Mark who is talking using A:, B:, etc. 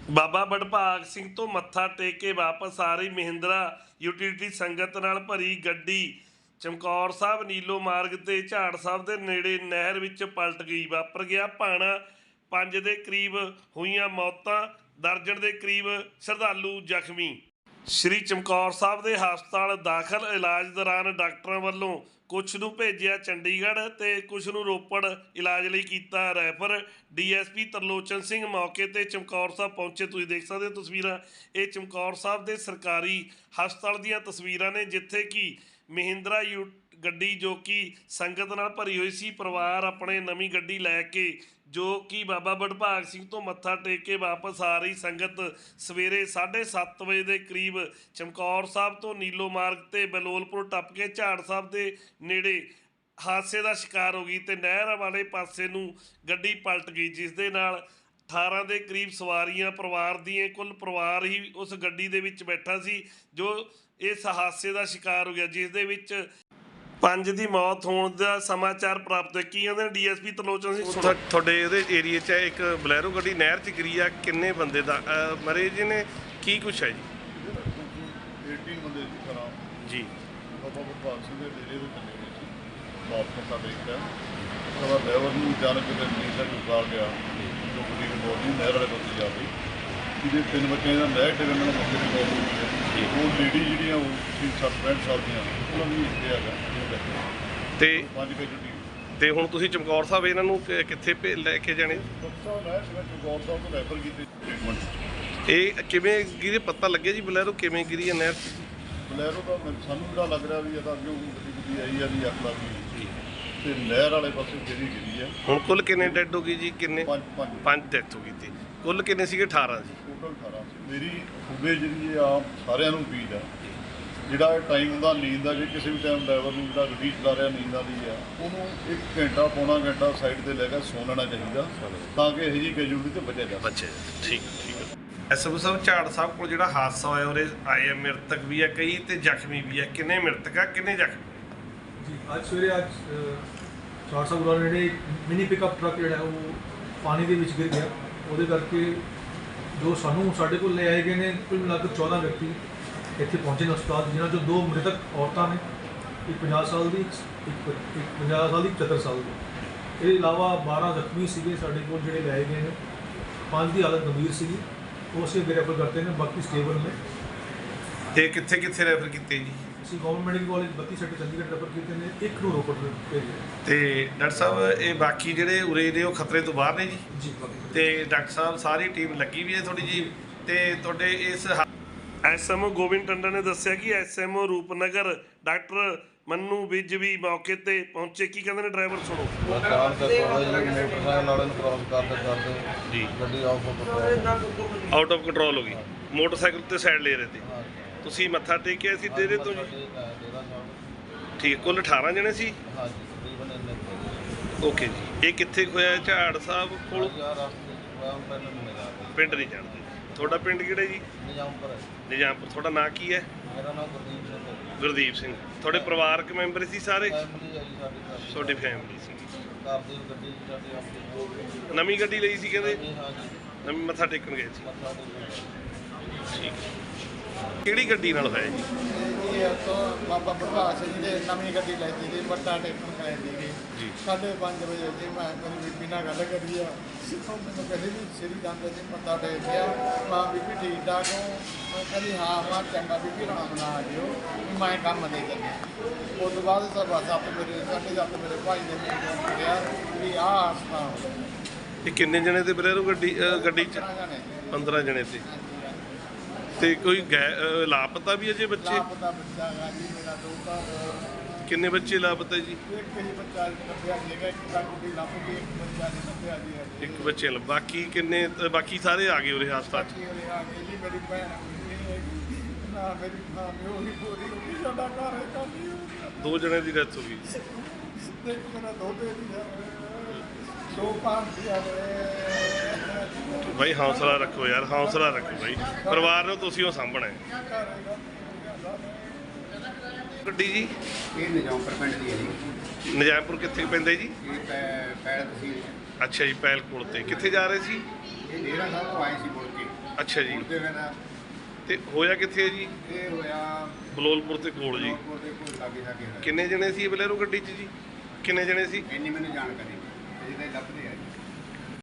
A: ਬਾਬਾ ਵਡਭਾਗ ਸਿੰਘ ਤੋਂ ਮੱਥਾ ਟੇਕ ਕੇ ਵਾਪਸ ਆ ਰਹੀ ਮਹਿੰਦਰਾ ਯੂਟਿਲਿਟੀ ਸੰਗਤ ਨਾਲ ਭਰੀ ਗੱਡੀ ਚਮਕੌਰ ਸਾਹਿਬ ਨੀਲੋ ਮਾਰਗ ਤੇ ਝਾੜ ਸਾਹਿਬ ਦੇ ਨੇੜੇ ਨਹਿਰ ਵਿੱਚ ਪਲਟ ਗਈ। ਵਾਪਰ ਗਿਆ ਭਾਣਾ। 5 ਦੇ ਕਰੀਬ ਹੋਈਆਂ ਮੌਤਾਂ, ਦਰਜਨ ਦੇ ਕਰੀਬ ਸ਼ਰਧਾਲੂ ਜ਼ਖਮੀ। ਸ਼੍ਰੀ ਚਮਕੌਰ ਸਾਹਿਬ ਦੇ ਹਸਪਤਾਲ ਦਾਖਲ। ਇਲਾਜ ਦੌਰਾਨ ਡਾਕਟਰਾਂ ਵੱਲੋਂ ਕੁਛ ਨੂੰ ਭੇਜਿਆ ਚੰਡੀਗੜ੍ਹ ਤੇ ਕੁਛ ਨੂੰ ਰੋਪੜ ਇਲਾਜ ਲਈ ਕੀਤਾ ਰੈਫਰ। ਡੀਐਸਪੀ ਤਰਲੋਚਨ ਸਿੰਘ ਮੌਕੇ ਤੇ ਚਮਕੌਰ ਸਾਹਿਬ ਪਹੁੰਚੇ। ਤੁਸੀਂ ਦੇਖ ਸਕਦੇ ਹੋ ਤਸਵੀਰਾਂ, ਇਹ ਚਮਕੌਰ ਸਾਹਿਬ ਦੇ ਸਰਕਾਰੀ ਹਸਪਤਾਲ ਦੀਆਂ ਤਸਵੀਰਾਂ ਨੇ, ਜਿੱਥੇ ਕਿ ਮਹਿੰਦਰਾ ਗੱਡੀ ਜੋ ਕਿ ਸੰਗਤ ਨਾਲ ਭਰੀ ਹੋਈ ਸੀ। ਪਰਿਵਾਰ ਆਪਣੇ ਨਵੀਂ ਗੱਡੀ ਲੈ ਕੇ ਜੋ ਕਿ ਬਾਬਾ ਵਡਭਾਗ ਸਿੰਘ ਤੋਂ ਮੱਥਾ ਟੇਕ ਕੇ ਵਾਪਸ ਆ ਰਹੀ ਸੰਗਤ ਸਵੇਰੇ 7:30 ਵਜੇ ਦੇ ਕਰੀਬ ਚਮਕੌਰ ਸਾਹਿਬ ਤੋਂ ਨੀਲੋ ਮਾਰਗ ਤੇ ਬਲੋਲਪੁਰ ਟੱਪ ਕੇ ਝਾੜ ਸਾਹਿਬ ਦੇ ਨੇੜੇ ਹਾਦਸੇ ਦਾ ਸ਼ਿਕਾਰ ਹੋ ਗਈ ਤੇ ਨਹਿਰ ਵਾਲੇ ਪਾਸੇ ਨੂੰ ਗੱਡੀ ਪਲਟ ਗਈ, ਜਿਸ ਦੇ ਨਾਲ 18 ਦੇ ਕਰੀਬ ਸਵਾਰੀਆਂ ਪਰਿਵਾਰ ਦੀਆਂ, ਕੁੱਲ ਪਰਿਵਾਰ ਹੀ ਉਸ ਗੱਡੀ ਦੇ ਵਿੱਚ ਬੈਠਾ ਸੀ ਜੋ ਇਸ ਹਾਦਸੇ ਦਾ ਸ਼ਿਕਾਰ ਹੋ ਗਿਆ, ਜਿਸ ਦੇ ਵਿੱਚ 5 ਦੀ ਮੌਤ ਹੋਣ ਦਾ ਸਮਾਚਾਰ ਪ੍ਰਾਪਤ ਹੈ। ਕੀ ਕਹਿੰਦੇ ਨੇ ਡੀਐਸਪੀ ਤਰਲੋਚਨ ਸਿੰਘ? ਤੁਹਾਡੇ ਉਹਦੇ ਏਰੀਏ 'ਚ ਇੱਕ ਬਲੈਰੋ ਗੱਡੀ ਨਹਿਰ 'ਚ ਗਿਰੀ ਆ, ਕਿੰਨੇ ਬੰਦੇ ਦਾ ਮਰੇ ਜੀ ਨੇ, ਕੀ ਕੁਛ ਹੈ ਜੀ?
B: 18 ਬੰਦੇ
A: ਜੀ
B: ਬਾਬਾ ਵਡਭਾਗ ਸਿੰਘ ਦੇ ਡੇਰੇ ਦੇ ਚੱਲੇ ਗਏ ਸੀ। ਵਾਪਸ ਮੱਥਾ ਟੇਕਿਆ ਉਹਦਾ ਡਰਾਈਵਰ ਨੂੰ ਅਚਾਨਕ ਨੀਂਦ ਦਾ ਉਤਾਰ ਗਿਆ ਜੋ ਗੱਡੀ ਨੂੰ ਬੋਲੀ ਨਹਿਰ ਵਾਲੇ ਪਾਸੇ ਜਾ ਕੇ ਜਿਹਦੇ 3 ਬੱਚਿਆਂ ਦਾ ਨਹਿਰ ਡਿੱਗਣ ਨਾਲ ਮੌਕੇ ਤੇ ਮੌਤ ਹੋ ਗਈ ਹੈ। ਉਹ ਲੇਡੀ ਜਿਹੜੀਆਂ ਉਹ 60-65 ਸਾਲ ਦੀਆਂ ਉਹਨਾਂ ਨੂੰ ਇੱਥੇ ਹੈਗਾ
A: ਤੇ
B: 5 ਵਜੇ ਛੁੱਟੀ।
A: ਤੇ ਹੁਣ ਤੁਸੀਂ ਚਮਕੌਰ ਸਾਹਿਬ ਇਹਨਾਂ ਨੂੰ ਕਿੱਥੇ ਲੈ ਕੇ ਜਾਣੇ?
B: ਨਹਿਰ ਸੀਗਾ ਚਮਕੌਰ ਸਾਹਿਬ ਤੋਂ ਰੈਫਰ ਕੀਤੇ ਟ੍ਰੀਟਮੈਂਟ।
A: ਇਹ ਕਿਵੇਂ ਗਿਰੇ ਪਤਾ ਲੱਗਿਆ ਜੀ? ਬਲੈਰੋ ਕਿਵੇਂ ਗਿਰੀ ਹੈ ਨਹਿਰ 'ਚ?
B: ਬਲੈਰੋ ਤਾਂ ਸਾਨੂੰ ਜਿਹੜਾ ਲੱਗ ਰਿਹਾ ਵੀ ਇਹ ਤਾਂ ਅੱਗੇ ਗੱਡੀ ਆਈ ਆ ਦੀ ਅੱਖ ਲੱਗ ਗਈ ਤੇ ਨਹਿਰ ਵਾਲੇ ਪਾਸੇ ਗਿਰੀ ਹੈ।
A: ਹੁਣ ਕੁੱਲ ਕਿੰਨੇ ਡੈਡ ਹੋ ਗਈ ਜੀ? ਕਿੰਨੇ? 5 ਡੈਥ ਹੋ ਗਈ ਤੇ ਕੁੱਲ ਕਿੰਨੇ ਸੀਗੇ? 18 ਜੀ।
B: ਟੋਟਲ 18 ਸੀ। ਮੇਰੀ ਖੂਬੇ ਜਿਹੜੀ ਆਮ ਸਾਰਿਆਂ ਨੂੰ ਉਮੀਦ ਆ ਜਿਹੜਾ ਟਾਈਮ ਦਾ ਨੀਂਦ ਦਾ, ਜੇ ਕਿਸੇ ਵੀ ਟਾਈਮ ਡਰਾਈਵਰ ਨੂੰ ਜਿਹੜਾ ਗੱਡੀ ਚਲਾ ਰਿਹਾ ਨੀਂਦ ਆਉਂਦੀ ਆ ਉਹਨੂੰ 1 ਘੰਟਾ ਪੌਣਾ ਘੰਟਾ ਸਾਈਡ 'ਤੇ ਲੈ ਕੇ ਸੌ ਲੈਣਾ ਚਾਹੀਦਾ ਤਾਂ ਕਿ ਇਹੋ ਜਿਹੀ ਕੈਜੂਅਲਟੀ ਤੋਂ ਬਚਿਆ ਜਾ ਸਕੇ।
A: ਠੀਕ ਹੈ। ਐਸਐਮ ਸਾਹਿਬ, ਝਾੜ ਸਾਹਿਬ ਕੋਲ ਜਿਹੜਾ ਹਾਦਸਾ ਹੋਇਆ ਉਹਦੇ ਆਏ ਆ ਮ੍ਰਿਤਕ ਵੀ ਆ ਕਈ ਤੇ ਜ਼ਖਮੀ ਵੀ ਆ, ਕਿੰਨੇ ਮ੍ਰਿਤਕ ਆ ਕਿੰਨੇ ਜ਼ਖਮੀ?
C: ਜੀ ਅੱਜ ਸਵੇਰੇ ਝਾੜ ਸਾਹਿਬ ਕੋਲ ਜਿਹੜੇ ਮਿਨੀ ਪਿਕਅਪ ਟਰੱਕ ਜਿਹੜਾ ਉਹ ਪਾਣੀ ਦੇ ਵਿੱਚ ਗਿਰ ਗਿਆ, ਉਹਦੇ ਕਰਕੇ ਜੋ ਸਾਡੇ ਕੋਲ ਲੈ ਆਏ ਗਏ ਨੇ ਕੁੱਲ ਮਿਲਾ ਕੇ 14 ਵਿਅਕਤੀ ਇੱਥੇ ਪਹੁੰਚੇ ਨੇ ਹਸਪਤਾਲ, ਜਿਨ੍ਹਾਂ 'ਚੋਂ 2 ਮ੍ਰਿਤਕ ਔਰਤਾਂ ਨੇ, ਇੱਕ 50 ਸਾਲ ਦੀ, ਇੱਕ 50 ਸਾਲ ਦੀ, 75 ਸਾਲ ਦੀ। ਇਹਦੇ ਇਲਾਵਾ 12 ਜ਼ਖਮੀ ਸੀਗੇ ਸਾਡੇ ਕੋਲ ਜਿਹੜੇ ਲੈ ਆਏ ਗਏ ਨੇ। 5 ਦੀ ਹਾਲਤ ਗੰਭੀਰ ਸੀਗੀ, ਉਹ ਅਸੀਂ ਅੱਗੇ ਰੈਫਰ ਕਰਤੇ ਨੇ, ਬਾਕੀ ਸਟੇਬਲ ਨੇ।
A: ਤੇ ਕਿੱਥੇ ਰੈਫਰ ਕੀਤੇ ਜੀ?
C: ਅਸੀਂ government medical college 32 sector Chandigarh refer ਕੀਤੇ ਨੇ, ਇੱਕ ਨੂੰ ਰੋਪੜ ਭੇਜਿਆ।
A: ਤੇ ਡਾਕਟਰ ਸਾਹਿਬ ਇਹ ਬਾਕੀ ਜਿਹੜੇ ਉਰੇ ਦੇ ਉਹ ਖਤਰੇ ਤੋਂ ਬਾਹਰ ਨੇ ਜੀ?
C: ਜੀ।
A: ਤੇ ਡਾਕਟਰ ਸਾਹਿਬ ਸਾਰੀ ਟੀਮ ਲੱਗੀ ਵੀ ਹੈ ਥੋੜੀ ਜੀ? ਤੇ ਤੁਹਾਡੇ ਇਸ ਐਸਐਮਓ ਗੋਬਿੰਦ ਟੰਡਨ ਨੇ ਦੱਸਿਆ ਕਿ ਐਸਐਮਓ ਰੂਪਨਗਰ ਡਾਕਟਰ ਮੰਨੂ ਵਿਜ ਵੀ ਮੌਕੇ ਤੇ ਪਹੁੰਚੇ। ਕੀ ਕਹਿੰਦੇ ਨੇ ਡਰਾਈਵਰ? ਸੁਣੋ।
B: ਮੋਟਰਸਾਈਕਲ ਵਾਲੇ ਨੂੰ ਕ੍ਰਾਸ ਕਰਦੇ
A: ਜੀ
B: ਗੱਡੀ
A: ਆਊਟ ਆਫ ਕੰਟਰੋਲ ਹੋ ਗਈ, ਮੋਟਰਸਾਈਕਲ ਤੇ ਸਾਈਡ ਲੈ ਰਹੇ ਤੇ ਤੁਸੀਂ ਮੱਥਾ ਟੇਕਿਆ ਸੀ ਡੇਰੇ ਤੋਂ ਜੀ? ਠੀਕ ਹੈ। ਕੁੱਲ 18 ਜਣੇ ਸੀ? ਓਕੇ ਜੀ। ਇਹ ਕਿੱਥੇ ਹੋਇਆ? ਝਾੜ ਸਾਹਿਬ ਕੋਲ? ਪਿੰਡ ਨਹੀਂ ਜਾਣਦੇ। ਤੁਹਾਡਾ ਪਿੰਡ ਕਿਹੜਾ ਜੀ? ਨਿਜ਼ਾਮਪੁਰ। ਤੁਹਾਡਾ ਨਾਂ ਕੀ ਹੈ?
B: ਮੇਰਾ ਨਾਮ ਗੁਰਦੀਪ ਸਿੰਘ ਹੈ।
A: ਗੁਰਦੀਪ ਸਿੰਘ। ਤੁਹਾਡੇ ਪਰਿਵਾਰਕ ਮੈਂਬਰ ਸੀ ਸਾਰੇ?
B: ਫੈਮਿਲੀ ਹੈ ਜੀ ਸਾਡੀ।
A: ਤੁਹਾਡੀ ਫੈਮਿਲੀ ਸੀ?
B: ਘਰ ਦੀ ਗੱਡੀ ਸਾਡੀ ਆਪਣੀ
A: ਨਵੀਂ ਗੱਡੀ ਲਈ ਸੀ ਕਹਿੰਦੇ?
B: ਹਾਂ ਜੀ।
A: ਨਵੀਂ ਮੱਥਾ ਟੇਕਣ ਗਏ ਸੀ?
B: ਮੱਥਾ ਟੇਕਣ।
A: ਠੀਕ। ਕਿਹੜੀ ਗੱਡੀ ਨਾਲ ਹੋਇਆ ਜੀ?
D: ਇਹ ਤੋਂ ਬਾਬਾ ਵਡਭਾਗ ਸਿੰਘ ਦੇ ਨਵੀਂ ਗੱਡੀ ਲੈ ਸੀ ਮੱਥਾ ਟੇਕਣ ਗਏ ਸੀਗੇ
A: ਜੀ।
D: 5:30 ਵਜੇ ਜੀ। ਮੈਂ ਮੇਰੀ ਬੀਬੀ ਨਾਲ ਗੱਲ ਕਰੀ ਆ, ਉਹ ਮੈਨੂੰ ਕਹਿੰਦੀ ਵੀ ਸ੍ਰੀ ਜਾਂਦੇ ਸੀ ਮੱਥਾ ਟੇਕ ਗਿਆ। ਮਾਂ ਬੀਬੀ ਠੀਕ ਠਾਕ ਹੋ? ਮੈਂ ਕਹਿੰਦੀ ਹਾਂ ਮਾਂ ਚੰਗਾ ਬੀਬੀ ਆਰਾਮ ਨਾਲ ਆ ਜਿਓ, ਮੈਂ ਕੰਮ ਦੇ ਚੱਲਿਆ। ਉਸ ਤੋਂ ਬਾਅਦ ਸਭ ਮੇਰੇ 7:30 ਮੇਰੇ ਭਾਈ ਨੇ ਮੈਨੂੰ ਕਿਹਾ ਵੀ ਆਹ ਹਾਦਸਾ ਹੋ ਗਿਆ।
A: ਇਹ ਕਿੰਨੇ ਜਣੇ ਤੇ ਬਲੈਰੋ ਗੱਡੀ 'ਚ? 15 ਜਣੇ ਤੇ। ਤੇ ਕੋਈ ਲਾਪਤਾ ਵੀ ਅਜੇ ਬੱਚੇ?
D: ਲਾਪਤਾ ਬੱਚਾ ਹੈਗਾ ਜੀ ਮੇਰਾ ਦੋਤਾ।
A: ਕਿੰਨੇ ਬੱਚੇ ਲਾਪਤਾ ਜੀ?
D: ਇੱਕ ਹੀ ਬੱਚਾ ਲੱਭਿਆ ਸੀਗਾ, ਇੱਕ ਤਾਂ ਕੁੜੀ ਲੱਭ ਗਈ, ਇੱਕ ਬੱਚਾ ਨਹੀਂ ਲੱਭਿਆ ਜੀ।
A: ਇੱਕ ਬੱਚੇ ਬਾਕੀ ਕਿੰਨੇ? ਬਾਕੀ ਸਾਰੇ ਆ ਗਏ ਉਰੇ ਹਸਪਤਾਲ 'ਚ?
D: ਜੀ ਮੇਰੀ ਭੈਣ ਨਾ ਮੇਰੀ ਮਾਮੀ ਉਹ ਵੀ ਪੂਰੀ ਹੋ ਗਈ, ਸਾਡਾ ਘਰ ਹੈ ਕਾਫੀ ਹੋ ਗਿਆ।
A: 2 ਜਣੇ ਦੀ ਡੈਥ ਹੋ ਗਈ।
D: ਦੇਖ ਮੇਰਾ ਦੋਤੇ ਦੀ 2 ਭਾਂਤੀਆਂ ਨੇ।
A: ਬਾਈ ਹੌਸਲਾ ਰੱਖੋ ਯਾਰ, ਹੌਸਲਾ ਰੱਖੋ ਬਾਈ। ਪਰਿਵਾਰ ਨੂੰ ਤੁਸੀਂ ਉਹ ਸਾਂਭਣਾ ਹੈ। ਗੱਡੀ ਜੀ
E: ਇਹ ਨਿਜ਼ਾਮਪੁਰ ਪਿੰਡ ਦੀ ਹੈ ਜੀ।
A: ਨਿਜ਼ਾਮਪੁਰ ਕਿੱਥੇ ਪੈਂਦਾ ਜੀ?
E: ਇਹ ਪੈਲ ਤਹਿਸੀਲ 'ਚ।
A: ਅੱਛਾ ਜੀ। ਪੈਲ ਕੋਲ ਤੇ ਕਿੱਥੇ ਜਾ ਰਹੇ ਸੀ?
E: ਇਹ ਡੇਰਾ ਸਾਹਿਬ ਤੋਂ ਆਏ ਸੀ ਮੁੜ ਕੇ।
A: ਅੱਛਾ ਜੀ।
E: ਮੁੜਦੇ ਹੋਏ ਦਾ
A: ਤੇ ਹੋਇਆ ਕਿੱਥੇ ਹੈ ਜੀ?
E: ਇਹ ਹੋਇਆ
A: ਬਲੋਲਪੁਰ ਦੇ ਕੋਲ ਜੀ।
E: ਲੋਕਪੁਰ ਦੇ ਕੋਲ ਲਾਗੇ ਹੋਇਆ।
A: ਕਿੰਨੇ ਜਣੇ ਸੀ ਬਲੈਰੋ ਗੱਡੀ 'ਚ ਜੀ? ਕਿੰਨੇ ਜਣੇ ਸੀ?
E: ਇੰਨੀ ਮੈਨੂੰ ਜਾਣਕਾਰੀ ਨਹੀਂ, ਅਜੇ ਤਾਂ ਇਹ ਲੱਭਦੇ ਆ ਜੀ।